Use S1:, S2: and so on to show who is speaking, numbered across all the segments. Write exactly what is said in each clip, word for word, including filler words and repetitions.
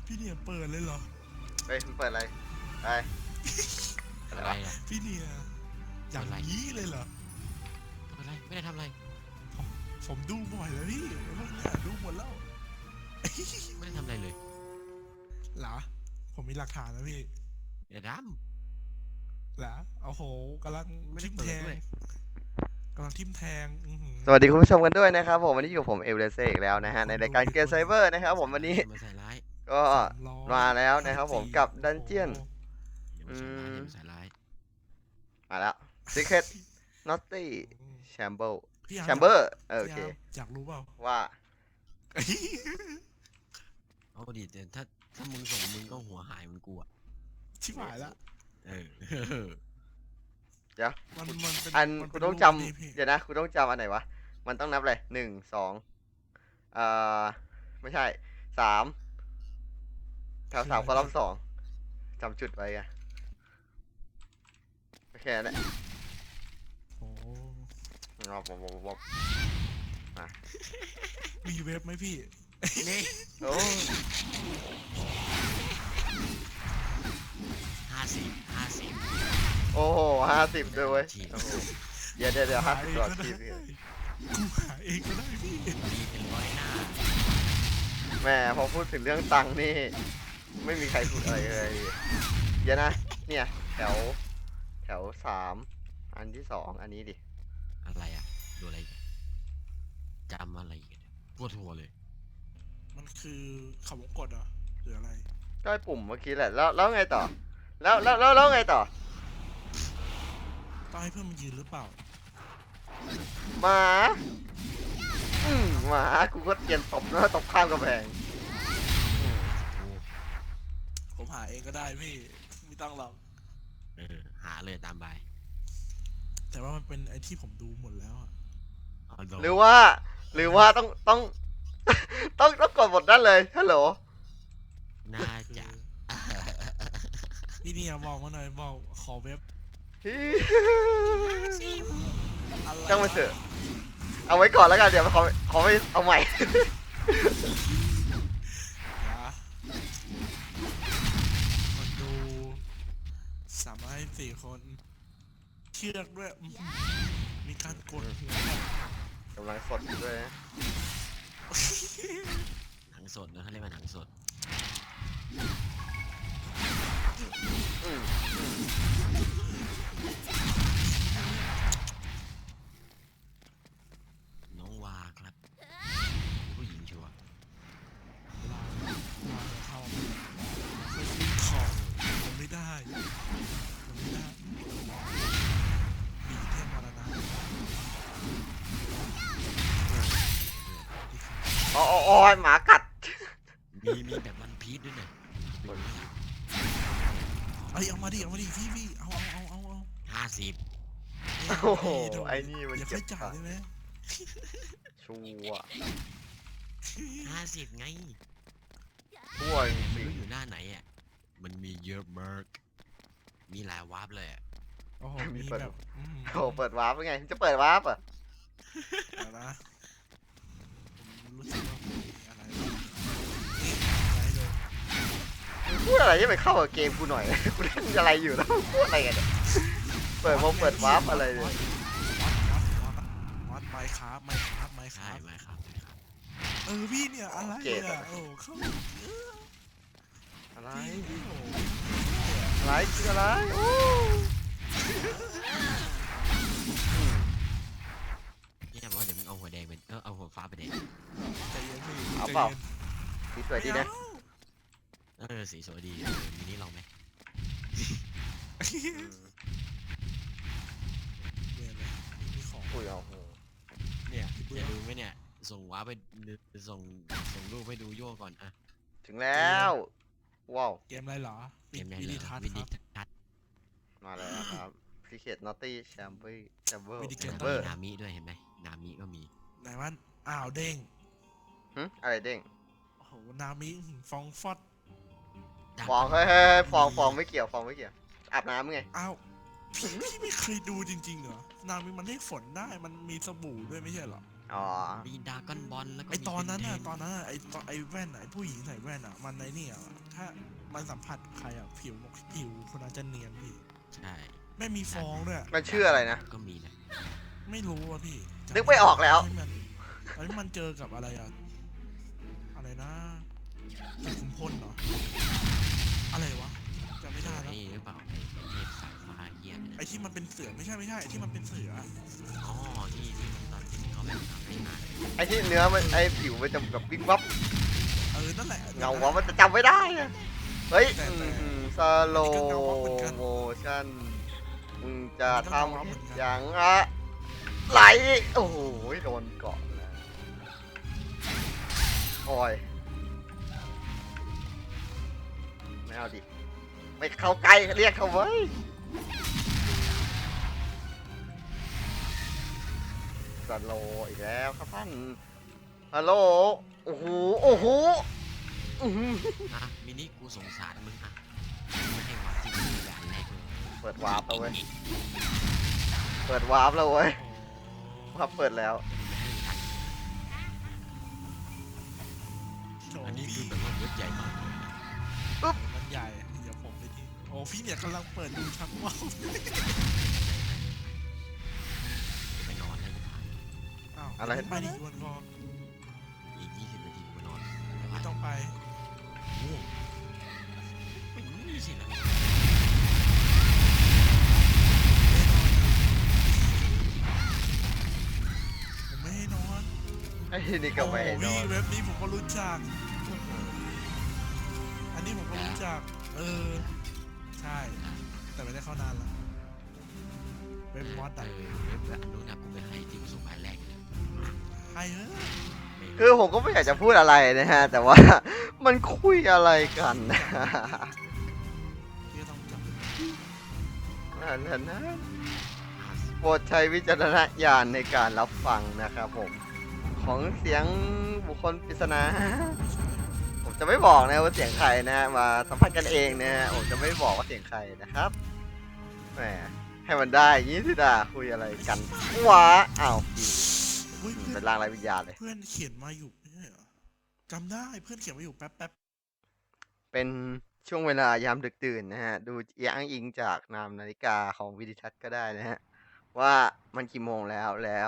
S1: พี่เนี่ยเปิดเลยเหรอ
S2: เฮ้ยมันเปิดอะไรไป
S3: อะไรอ่ะ
S1: พี่เนี่ยอย่างนี้เลยเหรอ
S3: ทำอะไรไม่ได้ทำอะไร
S1: ผมผมดูบ่อยแล้วพี่พวกเนี้ยดูหมดแล้ว
S3: ไม่ได้ทำอะไรเลย
S1: เหรอผมมีหลักฐานแล้วพี่
S3: เดี๋ยวด
S1: เหรอโอ้โหกำลัง
S3: ำไม่ได้
S1: ทิม
S3: เปิ
S1: แท
S3: ด
S1: ง
S3: ด้วย
S1: กำลังทิมแทงอื้อหือ
S2: สวัสดีคุณผู้ชมกันด้วยนะครับผมวันนี้อยู่กับผมเอลเลเซ่อีกแล้วนะฮะในรายการเกมไซเบอร์นะครับผมวันนี้
S3: มาใส่ร้าย
S2: ก็
S1: สามร้อย
S2: มาแล้วนะครับผมกับดันเจียน
S3: อย่ามาใส่ร้ายอย่ามาใส่ร้าย
S2: มาแล้ว Secret Naughty
S1: อืม
S2: Chamber
S1: พี่อาร์ม
S2: Chamber เออโอ
S1: พี่
S2: เค
S1: อาร์มอยากรู้เปล่า
S2: ว่า
S3: เอาดิแต่ถ้าถ้ามึงส่งมึงก็หัวหายเหมันกูอ่ะ
S1: ชิบหายละ
S3: เออ
S2: เดี๋ยว
S1: มันมันเป็น
S2: อัน
S1: มัน
S2: คุ
S1: เป็
S2: ณ
S1: น
S2: ต้อง
S1: รูป
S2: จ
S1: นี้พี่
S2: ำเดี๋ยวนะคุณต้องจำอันไหนวะมันต้องนับเลยหนึ่งสองเอ่อไม่ใช่สามแถวสามคอลัมน์สองจำจุดไว้อะโอเคนะ
S1: โอ้
S2: รอบบบบบ
S1: มีเว็บไหมพี่
S3: นี่
S2: โอ้
S3: ห้าสิบห้าสิบ
S2: โอ้โหห้าสิบด้วยเว้ยโอ้โหเดี๋ยวเดี๋ยวเดี๋ยวห้าสิบก่อนทีพี่
S1: กูหาเองก็ได้พี่
S3: มีเป็นร้อยหน้า
S2: แม่พอพูดถึงเรื่องตังค์นี่ ไม่มีใครพูดอะไรเลยเดี๋ยวนะ เนี่ยแถวแถวสามอันที่สองอันนี้ดิ
S3: อะไรอ่ะดูอะไรอีกจำอะไรอีกเนี่ยปวดหัวเลย
S1: มันคือเขาวงกดเหรอหรืออะไร
S2: ก็ไอ้ปุ่มเมื่อกี้แหละแล้วแล้วไงต่อ แล้วแล้วแล้วแล้วไงต่อ
S1: ต้องให้เพื่อนมันยืนหรือเปล่า
S2: หมาอืมหมากูก็เตรียมตบนะตบข้ามกำแพงอืม
S3: โอ้
S1: ผมหาเองก็ได้พี่ไม่ต้องหรอก
S3: เออหาเลยตามใบ
S1: แต่ว่ามันเป็นไอที่ผมดูหมดแล้วอะ
S3: เอาด
S2: หรือว่า หรือว่าต้องต้อง ต้องต้องกดบทนั้นเลยฮัลโหล
S3: น่าจะ
S1: พี่เนี่ยบอกมาหน่อยบอกขอเว็บอะไร
S2: ช่างมันเถอะเอาไว้ก่อนแล้วกันเดี๋ยวขอขอไม่เอาใหม่
S1: นะคนดูสามารถให้สี่คน เชือกด้วยอื้อหือมีการกดหัวแบบ
S2: กำลังสดอยู่ด้วยนะ
S3: หนังสดนะเขาเรียกว่าหนังสด
S2: อืม
S3: น้องวาครับผู้หญิงชัวร์
S1: ลาลาเข้าไม่ซื้อของผมไม่ได้ผมไม่ได้บีเทมรณะ
S2: อ๋ออ๋ออ๋อหมากัด
S3: มีมีแบบวันพีชด้วยเนี่ย
S1: เอ้ยเอามาดิเอามาดิพี่พี่เอาเอาเอาเอาเอา
S3: ห้าสิบ
S2: โอ้โห
S1: เดี๋ยว
S2: ไอ้นี่มัน
S1: อย่า
S2: เก็
S1: ค่อบ ยจ่ายได้ไหม
S2: ชัวร์
S3: ห้าสิบไง
S2: ชัวร์จ
S3: ไม่
S2: ริง
S3: รู้อยู่หน้าไหนอ่ะมันมีเยอะมากมีหลายวาร์ปเลยอะ
S1: โอ้โหมีแบบอืม
S2: ๆโอ้โหเปิดวาร์ปเป็นไงจะเปิดวาร์ปอ่ะ
S1: เดี๋ยวนะผมรู้สึกว่ามีอะไรนี่อะไรเลย
S2: พูดอะไรที่ไปเข้ากับเกมกูหน่อย กูเล่นอะไรอยู่แล้วพูดอะไรกันเนี่ยเปิดวงเปิดวาร์ปอะไรเนี่ย
S1: วัดวัดวัดวัดไมค์ครับไมค์ครับไมค์ค
S3: ใช่
S1: รับ
S3: ไหมครับใช่ครับ
S1: เออพี่เนี่ยอะไรเนี่ยโอ้เข้าเออ
S2: อะไร
S1: พี่โอ้
S2: อะไรคืออะไรโอ้
S3: เนี่ยบอกว่าเดี๋ยวมึงเอาหัวแดงเป็นเออเอาหัวฟ้าไปแดง
S1: ใจเย็นพี่
S2: เอา
S1: ใจ
S2: เปล่า
S1: ย็น
S2: สีสวยดีนะ
S3: เออสีสวยดีเออมินิลองไหม
S2: อืม
S1: เดี๋ยวเลยมีของ
S2: อุ้ยเอาโห
S3: เนี่ยจะดูไหมเนี่ยส่งวาร์ปไปดูส่งส่งรูปให้ดูโย่ก่อนอะ
S2: ถึงแล้วว้าว
S1: เกมอะไรเหรอ
S3: เกมไหน
S1: วิ
S3: เหร
S1: ดี
S3: อ
S1: ทัศน์
S3: วิ
S1: ค
S3: ดี
S1: รับ
S3: ทัศน์
S2: มาแล้วครับ Secret Naughty Chamber Chamber
S1: วิดีเกม
S3: แล้วก็
S2: Chamber
S3: มีนามิด้วยเห็นไหมนามิก็มี
S1: ไหนว่าอ้าวเด้ง
S2: หึอะไรเด้ง
S1: โอ้โหนามิฟองฟอด
S3: ดับ
S2: ฟองเฮ้ยเฮ้ยเฮ้ยฟองฟองไม่เกี่ยวฟองไม่เกี่ยวอาบน้ำไง
S1: อ้าวพี่พี่ไม่เคยดูจริงๆเหรอนามิมันให้ฝนได้มันมีสบู่ด้วยไม่ใช่เหรอ
S2: อ๋อ
S3: มีดราก้อนบอลแล้วก็
S1: ไอตอนนั้นน่ะ
S3: มี
S1: ตอนนั้นน่ะไอตอนไอแว่นน่ะไอผู้หญิงใส่แว่นอ่ะมันในนี่อ่ะถ้ามันสัมผัสใครอ่ะผิวผิวคนนั้นจะเนียนพี่
S3: ใช่
S1: ไม่มีฟองด้วย
S2: มันชื่ออะไรนะ
S3: ก็มีนะ
S1: ไม่รู้อ่ะพี่จำ
S2: นึกไม่ออกแล้ว
S1: ที่มันตอนนี้มันเจอกับอะไรอ่ะอะไรนะสุขุมพลเหรออะไรวะจำไม่ได้แล้ว
S3: ไอ้หรือเปล่าไอ้เทพสายฟ้าเหี้ยเนี่ย
S1: ไอที่มันเป็นเสือไม่ใช่ไม่ใช่ไอที่มันเป็นเสือ
S3: อ๋อที่ที่มันตอนที่เขาแบบทำให้อ่าน
S2: ไอ้ที่เนื้อมันไอ้ผิวมันจะแบบวิบวับ
S1: เออนั่นแหละ
S2: เงาวับมันจะจำไม่ได้อะเฮ้ย
S1: แต่แต่
S2: สโล
S1: อันนี้ก็เงาวับเหมือนกัน
S2: โมชั่นมึงจะ
S1: อันนี้ก็
S2: ท
S1: เงาวับเหมือนกัน
S2: ำอย่างอะไหลโอ้โหโดนเกาะนะโอ้ยไม่เอาดิ ไม่เข้าใกล้เรียกเขาไว้ยสโลอีกแล้วครับท่านฮัลโหลโอ้โหโอ้โหอื้อหือ
S3: อ่ะมินิกูสงสารมึงอ่ะไม่ให้วัดที่มึงด่านแรกเลย
S2: เปิดวาร์ปแล้วเว้ย เปิดวาร์ปแล้วเว้ย
S1: โอ้
S2: วาร์ปเปิดแล้ว
S1: โถ
S3: อันนี้คือ
S1: พี่
S3: แบบว่าเว็บใหญ่มากเลยนะ
S1: มันใหญ่เดี๋ยวผมไปทีโอ้พี่เนี่ยกำลังเปิดดูชักว่าว
S3: ไปนอนแล้วจะผ่าน
S1: อ้าว
S2: อะไร
S1: ไปดิวันรอ
S3: อีกยี่สิบนาทีกูไปนอน
S1: ไม่ต้องไป
S3: ง่วงไม่มีสินะ
S1: ผมไม่ให้นอน
S2: ไอ้นี่ก็ไม่ให้น
S1: โอ้
S2: อ
S1: พี่
S2: น
S1: เว็บนี้ผมก็รู้จัก อันนี้ผมก็รู้จัก เออ ใช่ แต่ไม่ได้เข้านานละเว็บมอส
S3: เอ
S1: อะ
S3: อเว็บแบบนู้นนะกูไปให้ที่กูส่งไปแรกเลย
S1: ใครเฮ้ย
S3: ไม่
S2: คือผมก็ไม่อยากจะพูดอะไรนะฮะ แต่ว่า มันคุยอะไรกันนะ
S1: พี่ก็ต้องจับ
S2: นั่นนั่นนะ
S3: ห้าสิบ
S2: โปรดใช้วิจารณญาณในการรับฟังนะครับผม ของเสียงบุคคลปริศนา ผมจะไม่บอกนะว่าเสียงใครนะฮะมาสัมผัสกันเองนะฮะผมจะไม่บอกว่าเสียงใครนะครับแหมให้มันได้อย่างนี้สิดาคุยอะไรกันว้าอ้าวพี่
S1: เฮ้ยเพื่อ
S2: เป็น นร่างไรวิญญาณเลย
S1: เพื่อนเขียนมาอยู่ไม่ใช่เหรอจำได้เพื่อนเขียนมาอยู่แป๊บแป๊บ
S2: เป็นช่วงเวลายามดึกดื่นนะฮะ ดูอ้างอิงจากนามนาฬิกาของวิดิทัศน์ก็ได้นะฮะ ว่ามันกี่โมงแล้วแล้ว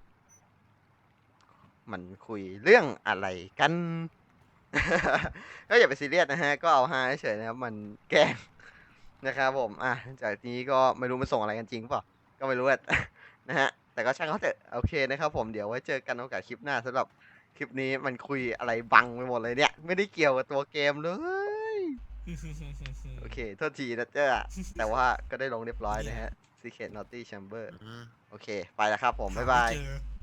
S2: มันคุยเรื่องอะไรกัน ก็อย่าไปซีเรียสนะฮะ ก็เอาฮาเฉยๆนะครับ มันแกล้งนะครับผม อ่ะ จากนี้ก็ไม่รู้มันส่งอะไรกันจริงเปล่า ก็ไม่รู้อะ นะฮะ แต่ก็ช่างเขาเถอะ โอเคนะครับผม เดี๋ยวไว้เจอกันโอกาสคลิปหน้าสำหรับคลิปนี้มันคุยอะไรบังไปหมดเลยเนี่ย ไม่ได้เกี่ยวกับตัวเกมเลย โอเค โทษทีนะเจ้า แต่ว่าก็ได้ลงเรียบร้อยนะฮะ Secret Naughty Chamber
S3: อ่า
S2: โอเค ไปแล้วครับผม บ๊ายบาย
S1: หไม่เจอ